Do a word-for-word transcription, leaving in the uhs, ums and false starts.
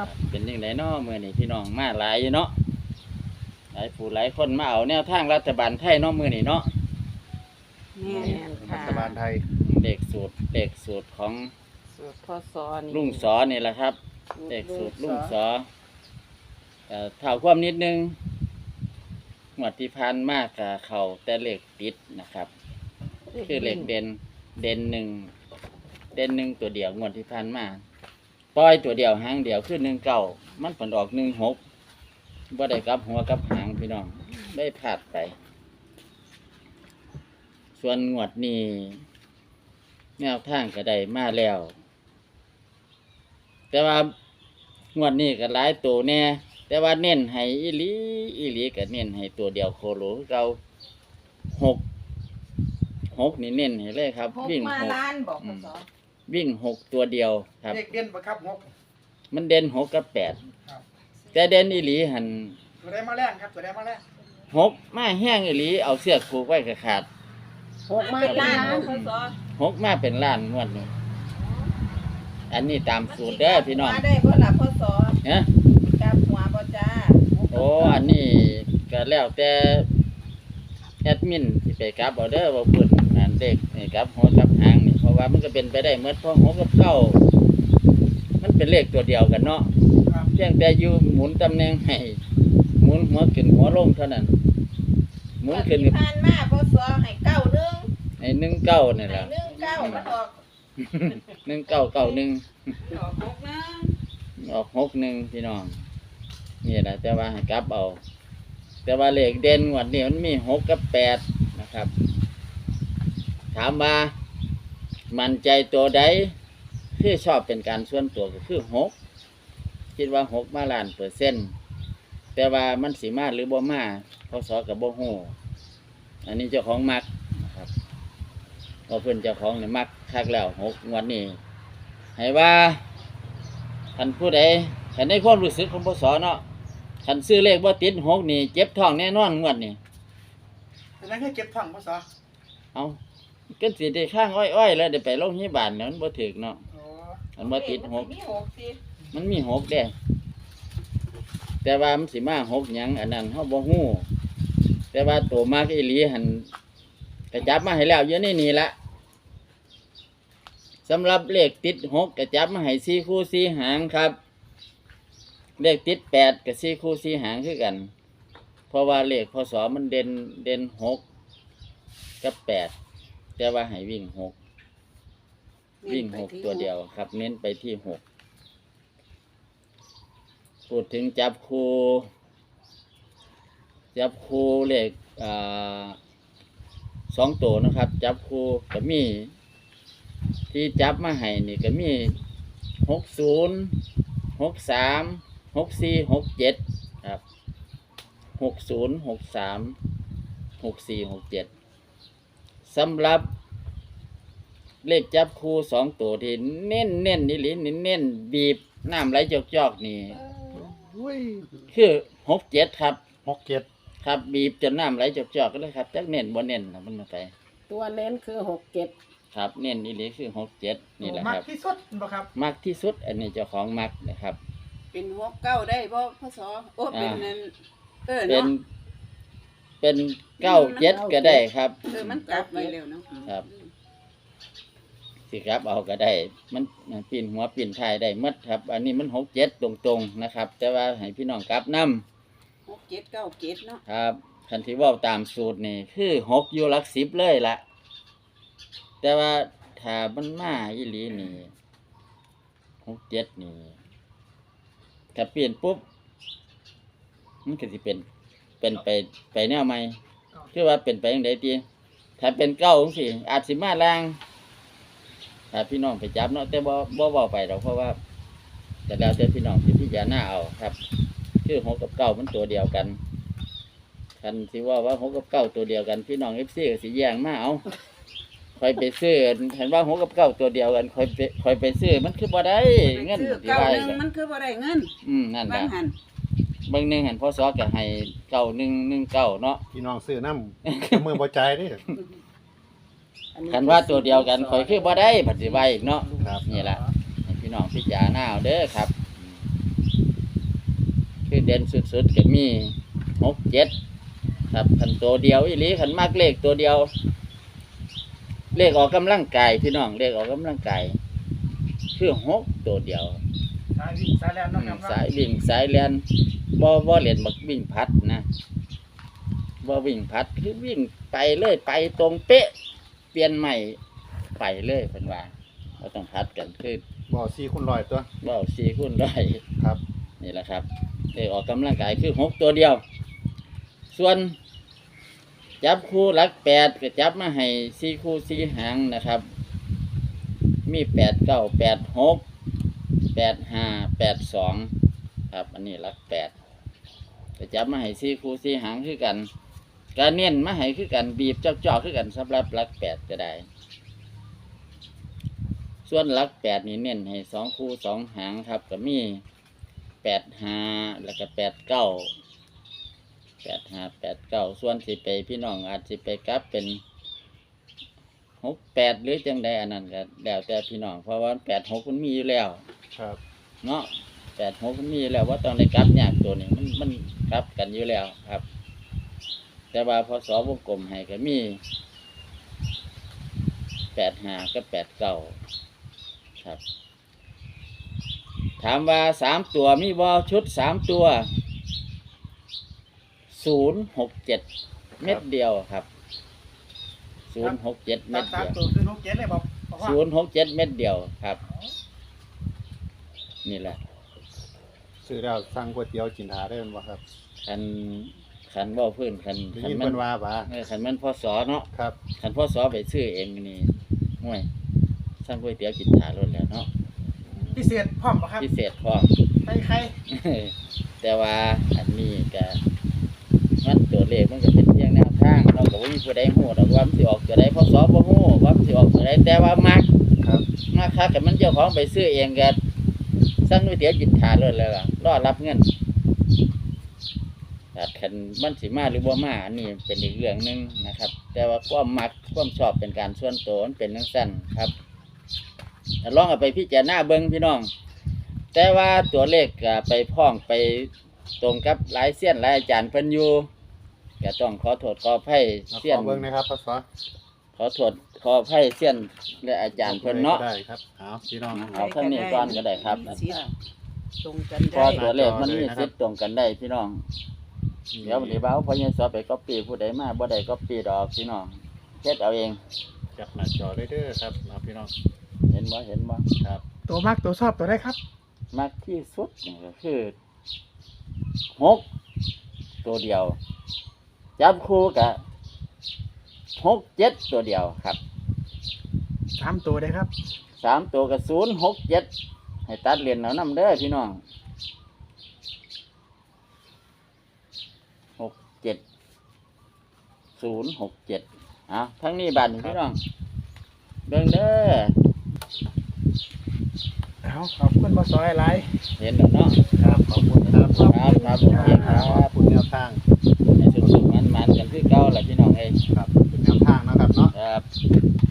เป็นยังไงเนาะมื้อนี้พี่น้องมาหลายอยู่เนาะหลายผู้หลายคนมาเอาแนวทางรัฐบาลไทยเนาะมื้อนี้เนาะแม่นรัค่ะฐบาลไทยเลขสูตรเลขสูตรของสูตรพศนี่ลุงสอนี่แหละครับเลขสูตรลุงสอเอ่อเท่าความนิดนึงงวดที่ผ่านมากกับเขาแต่เลขติดนะครับ คือเลขเด่นเด่นหนึ่งเด่นหนึ่งตัวเดียวงวดที่ผ่านมาปล่อยตัวเดียวหางเดียวคือหนึ่งเก้ามันผลออกหนึ่งหกบ่ได้กลับหัวกลับหางพี่น้องได้พลาดไป ส่วนงวดนี้แนวทางก็ได้มาแล้ว แต่ว่างวดนี้ก็หลายตัวแน่แต่ว่าเน้นให้อีหลีอีหลีก็เน้นให้ตัวเดียวโคโลคือเราหกหกนี่เน้นให้เลยครับหกวิ่งมาหกล้านบอกพศวิ่งหกตัวเดียวครับเลขเด่นประครับงกมันเด่นหกกับแปดครับแต่เด่นอีหลีหันตัวได้มาแรงครับตัวได้มาแรงหกมาแห้งอีหลีเอาเสื้อผูกไว้กับขาดหกมาล้านบอกพศหกมาเป็นล้านงวดนี้อันนี้ตามสูตรเด้อพี่น้องมาได้บ่ล่ะพศฮะกลับหัวบ่จ้าโอ้อันนี้ก็แล้วแต่แอดมินที่ไปกลับเอาเด้อว่าเพิ่นงานเด็กนี่กลับหัวกลับหางนี่เพราะว่ามันก็เป็นไปได้เมื่อเพราะหัวกับเก้ามันเป็นเลขตัวเดียวกันเนาะครับเพียงแต่อยู่หมุนตำแหน่งให้หมุนหัวขึ้นหัวลงเท่านั้นหมุนขึ้นที่ผ่านมาพศให้เก้าหนึ่งให้หนึ่งเก้านี่แหให้ละหนึ่งเก้ามันออกหนึ่งเก้าเก้าหนึ่งออกหกนะออกหกหนึ่งพี่น้องนี่แหละแต่ว่าให้กลับเอา แต่ว่าเลขเด่นงวันนี้มันมีหกกับแปดนะครับ ถามว่ามั่นใจตัวใดที่ชอบเป็นการส่วนตัวก็คือหกคิดว่าหกมาล้านเปอร์เซ็นต์แต่ว่ามันสีมาหรือบ่มาพศกับบ่ฮู้อันนี้เจ้าของมักนะครับพอเพื่อนเจ้าของเนี่ยมักคักแล้วหกงวันนี้ให้ว่าท่านผู้ใดท่านในความรู้สึกของพศเนาะท่านซื้อเลขว่าติดหกนี่เจ็บท้องแน่นอนงวดนี้แต่นั้นแค่เก็บถังภาษาเอาก็สิได้ข้างอ้อยๆแล้วได้ไปโรงพยาบาลเนี่ยมันบ่ถึกเนาะอ๋อมันบ่ติดหกมีหกสิมันมีหกเด้แต่ว่ามันสิมาหกหยังอันนั้นเฮาบ่ฮู้แต่ว่าตัวมากอีหลีหันกระจับมาให้แล้วอยู่ในนี่ละสำหรับเลขติดหกกระจับมาให้สี่คู่สี่หางครับ เลขติดแปดกับสี่คู่สี่หางคือกัน เพราะว่าเลขพศมันเด่นเด่นหกกับแปดแต่ว่าให้วิ่งหกวิ่งหกตัวเดียวครับ เน้นไปที่หกพูดถึงจับคูจับคูเลขอ่าสองตัวนะครับ จับคูก็มี ที่จับมาให้นี่ก็มีหกศูนย์หกสามหกสี่หกเจ็ดครับหกศูนย์หกสามหกสี่หกเจ็ดสำหรับเลขจับคู่สองตัวที่เน้นเน้นนี่หรือเน้นเน้นบีบน้ำไหลจอกจอกนี่อุ้ยคือหกเจ็ดครับหกเจ็ดครับบีบจนน้ำไหลจอกจอกก็เลยครับจักเน้นบ่เน้นนะมันมาไปตัวเน้นคือหกเจ็ดครับเน้นนี่หรือคือหกเจ็ดนี่แหละมากครับที่สุดบ่ครับมากที่สุดอันนี้เจ้าของมักนะครับเป็นหกเก้าได้บ่พศโอ้เป็นนั่นเออเป็นเนาะเป็นเก้าเจ็ดก็ได้ครับเออมันกลับไปเร็วเนาะครับ สิครับเอาก็ได้ มันมันปีนหัวปีนท้ายได้หมดครับ อันนี้มันหกเจ็ดตรงๆนะครับ แต่ว่าให้พี่น้องกลับนำหกเจ็ดเก้าเจ็ดเนาะครับคันที่เว่าตามสูตรนี่คือหกอยู่หลักสิบเลยละแต่ว่าถ้ามันมาอีหลีนี่หกเจ็ดนี่ถ้าเปลี่ยนปุ๊บมันก็สิเป็นเป็นไปไปแนวใหม่คือว่าเป็นไปอย่างใดตีถ้าเป็นเก้าของสิอาจสิมาแรงถ้าพี่น้องไปจับเนาะแต่บ่บ่เว้าไปหรอกเพราะว่าแต่แล้วแต่พี่น้องสิพิจารณาเอาครับ คือหกกับเก้ามันตัวเดียวกันคันสิว่าว่าหกกับเก้าตัวเดียวกันพี่น้องเอฟซีก็สิแย่งมาเอาคอยไปซื้อเห็นว่าหกกับเก้าตัวเดียวกันคอยไปคอยไปซื้อมันคือบ่ได้เงินคือที่เก้าว่าหนึ่งมันคือบ่ได้เงินอืมนั่นแหบาละงหันบางหนึงเห็นพ่อซอก็ให้เก้าหนึ่งหนึ่งเก้าเนาะพี่น้องซื้อน้ำ มือบ่ใจายเด้คันว่าตัวเดียวกันคอยคือบ่ได้ปฏิบัติอีกเนาะครับนี่แหละให้พี่น้องพิจารณาเอาเด้อครับเด่นสุดๆก็มีหกเจ็ดครับคันตัวเดียวอีหลีคันมากเลขตัวเดียว เลขออกกำลังกายพี่น้องเลขออกกำลังกายคือหกตัวเดียวสายวิ่งสายแล่นอืเนาะมครับสายวิ่งสายเลียนบ่บ่เล่นบักวิ่งพัดนะบ่วิ่งพัดคือวิ่งไปเลยไปตรงเป๊ะ เปลี่ยนใหม่ไปเลยเพิ่นว่าเราต้องพัดกันคือบ่สี่คูณร้อยตัวเบ้าสี่คูณร้อยครับนี่แหละครับเลขออกกำลังกายคือหกตัวเดียว ส่วนจับคู่หลักแปดก็จับมาให้สี่คู่สี่หางนะครับ มีแปดเก้าแปดหกแปดห้าแปดสองครับอันนี้หลักแปดก็จับมาให้สี่คู่สี่หางคือกันการเน้นมาให้คือกันบีบเจาะๆคือกันสำหรับหลักแปดก็ได้ ส่วนหลักแปดนี่เน้นให้สองคู่สองหางครับก็มีแปดห้าแล้วก็แปดเก้าแปดห้าแปดเก้าส่วนสิไปพี่น้องอาจสิไปกลับเป็นหกแปดหรือจังใดอันนั้นก็แล้วแต่พี่น้องเพราะว่าแปดหกมันมีอยู่แล้วครับเนาะแปดหกมันมีอยู่แล้วว่าต้องได้กลับยากตัวนี้มันมันกลับกันอยู่แล้วครับ แต่ว่าพอสอวงกลมให้ก็มีแปดห้าก็แปดเก้าครับ ถามว่าสามตัวมีบอชุดสามตัวศูนย์หกเจ็ดเม็ดเดียวครับศูนย์หกเจ็ดเม็ดสาเดีมยวตัวคือหกเจ็ดเลยบอกบอกว่าศูนย์หกเจ็ดเม็ดเดียวครับ นี่แหละซื้อแล้วสั่งก๋วยเตี๋ยวกินหาได้แม่นบ่ครับคันคันบ่พื้นคันได้คันยินมัเพิ่นนว่าบ่าเออคันมันพ่อสอเนาะครับคันพ่อสอไปซื้อเองนี่ห่วยสร้างก๋วยเตี๋ยวกินถารถแล้วเนาะพิเศษพร้อมบ่ครับพิเศษพร้อมใครใครแต่ว่าอันนี้ก็มันตัวเลขมันก็เป็นเพียงแนวทางเราก็บ่มีผู้ใดฮู้ดอกว่ามันสิออกตัวใดพศบ่ฮู้ว่ามันสิออกตัวใดแต่ว่ามักครับมักคักก็มันเจ้าของไปซื้อเองก็สั่งก๋วยเตี๋ยวกินทานเลยแล้วล่ะรอรับเงินแต่คันมันสิมาหรือบ่มาอันนี้เป็นอีกเรื่องหนึงนะครับ แต่ว่าความมักความชอบเป็นการส่วนตัวมันเป็นจังซั่นครับถ้าลองเอาไปพิจารณาเบิ่งพี่น้อง แต่ว่าตัวเลขก็ไปพ้องไปตรงกับหลายเสี้ยนหลายอาจารย์เพิ่นอยู่ก็ต้องขอโทษขออภัยเอาเสี้ยขนอเบิ่งนะครับพศขอโทษขออภัยเสี้ยนและอาจารย์เพิ่นเนาะได้ครับเอาพี่น้องเอาเท่านี้ก่อนก็ได้ครับมีสิทธิ์ตรงกันเพราะได้ตัวเลขมันมีสิทธิ์ตรงกันได้พี่น้องเดี๋ยววันนี้บ่าวพอยังสอบไปก๊อปปี้ผู้ใดมาบ่ได้ก๊อปปี้ดอกพี่น้องเฮ็ดเอาเองจับหน้าจอได้เด้อครับเอาพี่น้องเห็นบ่เห็นบ่ครับตัวมากตัวชอบตัวได้ครับมากที่สุดนี่ก็คือหกตัวเดียว จับคู่กับหกเจ็ดตัวเดียวครับสามตัวได้ครับสามตัวกับศูนย์หกเจ็ดให้ตัดเหรียญเอานำเด้อพี่น้องหกเจ็ดศูนย์หกเจ็ดเอาทั้งนี้บัตรพี่น้องเบิ่งเด้อเอาขอบคุณบอสอยหลายเห็นแล้วเนาะครับขอบคุณครับครับครับโอเคครัขอบบ คุณแนวทางให้สุขๆมันๆกันคือเก่าแหละพี่น้องเอ้ยครับเป็นแนวทางนะครับเนาะครับ